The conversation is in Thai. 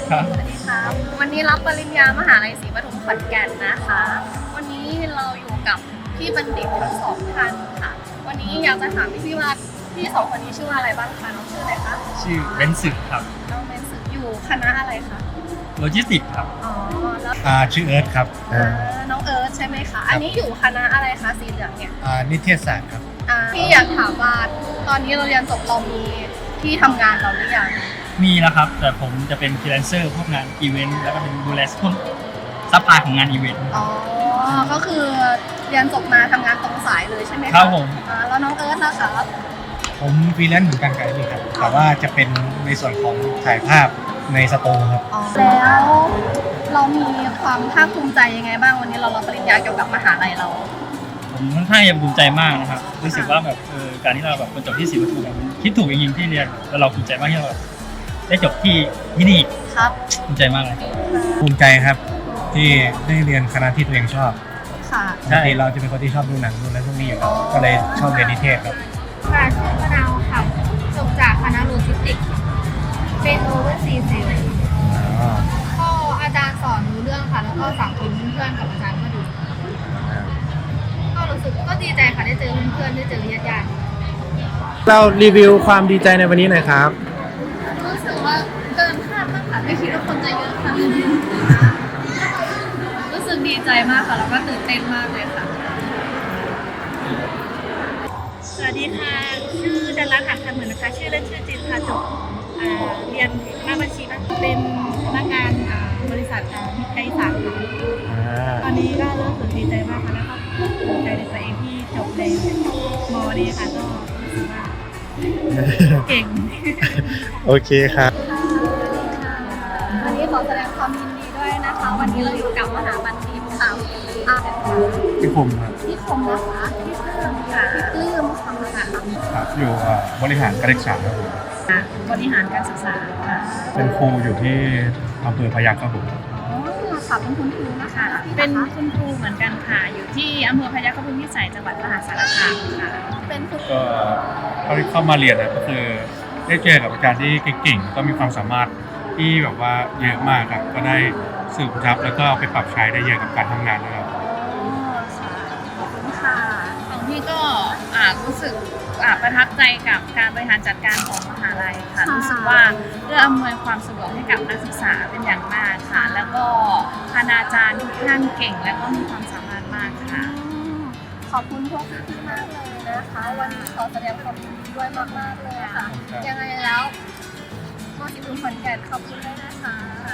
ครับสวัสดีค่ะวันนี้รับปริญญามหาลัยศรีปทุมขอนแก่นนะคะ วันนี้เราอยู่กับพี่บัณฑิตทั้งสองท่านค่ะ วันนี้อยากจะถามพี่ว่าพี่สองคนนี้ชื่อว่าอะไรบ้างคะน้องชื่ออะไรคะชื่อเบนซ์สึกครับน้องเบนซ์อยู่คณะอะไรคะโลจิสติกส์ครับอ๋อแล้วชื่อเอิร์ธครับน้องเอิร์ธใช่ไหมคะอันนี้อยู่คณะอะไรคะสีเหลืองเนี่ยนิเทศศาสตร์ครับพี่อยากถามว่าตอนนี้เราเรียนจบเรามีที่ทำงานเราหรือยังมีแล้วครับ แต่ผมจะเป็นฟรีแลนเซอร์พวกงานอีเวนต์แล้วก็เป็นดูแลพวกซัพพลายของงานอีเวนต์อ๋อ ก็คือเรียนจบมาทำงานตรงสายเลยใช่ไหมคะครับผมแล้วน้องเอิร์ธนะคะผมฟรีแลนซ์เหมือนกันครับพี่ครับ แต่ว่าจะเป็นในส่วนของถ่ายภาพในสตูครับอ๋อแล้วเรามีความภาคภูมิใจยังไงบ้างวันนี้เรารับปริญญาเกี่ยวกับมหาลัยเราผมค่อนข้างจะภูมิใจมากนะครับรู้สึกว่าแบบการที่เราแบบคนจบที่ศรีปทุมมันคิดถูกจริงๆที่เรียนแล้วเราภูมิใจมากที่เราแบบได้จบที่นี่ครับภูมิใจมากเลยภูมิใจครับที่ได้เรียนคณะที่ตัวเองชอบค่ะใช่ปกติเราจะเป็นคนที่ชอบดูหนังดูอะไรพวกนี้อยู่แล้วก็เลยชอบเรียนนิเทศครับค่ะชื่อมะนาวค่ะจบจากคณะโลจิสติกส์เป็นโอเวอร์ซีเซลก็อาจารย์สอนรู้เรื่องค่ะ แล้วก็สังคมเพื่อนกับอาจารย์ก็ดีก็รู้สึกก็ดีใจค่ะได้เจอเพื่อนๆได้เจอญาติๆเรารีวิวความดีใจในวันนี้หน่อยครับรู้สึกว่าเกินคาดมากค่ะไม่คิดว่าคนจะเยอะค่ะรู้สึกดีใจมากค่ะแล้วก็ตื่นเต้นมากเลยค่ะสวัสดีค่ะ ชื่อดันรัตน์หัตถเหมือนนะคะ ชื่อเล่นชื่อจินค่ะจบเรียนหน้าบัญชีนะเป็นพนักงานบริษัทมิตรไกด์สารค่ะตอนนี้ก็รู้สึกดีใจมากค่ะแล้วก็ภูมิใจในตัวเองที่จบในมอนี้ค่ะก็รู้สึกว่าเก่งโอเคครับวันนี้ขอแสดงความยินดีด้วยนะคะ วันนี้เราอยู่กับมหาบัณฑิตค่ะพี่คมครับพี่คมนะคะพี่ปลื้มค่ะพี่ปลื้มค่ะครับอยู่บริหารการศึกษาครับผมบริหารการศึกษาค่ะเป็นครูอยู่ที่อำเภอพยัคฆ์ครับผมอ๋อค่ะเป็นคุณครูนะคะเป็นคุณครูเหมือนกันค่ะ อยู่ที่อำเภอพยัคฆภูมิพิสัยจังหวัดมหาสารคามค่ะเป็นคุณก็เท่าที่เข้ามาเรียนนะก็คือได้เจอกับอาจารย์ที่เก่งๆก็มีความสามารถที่แบบว่าเยอะมากครับก็ได้สืบทรัพย์แล้วก็เอาไปปรับใช้ได้เยอะกับการทำงานนะครับขอบคุณค่ะของพี่ก็รู้สึกประทับใจกับการบริหารจัดการของมหาลัยค่ะค่ะรู้สึกว่าเอื้ออำนวยความสะดวกให้กับนักศึกษาเป็นอย่างมากค่ะ แล้วก็คณาจารย์ทุกท่านเก่งและก็มีความสามารถมากค่ะขอบคุณพวกพี่ๆมากเลยนะคะ วันนี้ขอแสดงความยินดีด้วยมากๆเลยค่ะ ยังไงแล้วม.สิบขอนแก่นขอบคุณด้วยนะคะ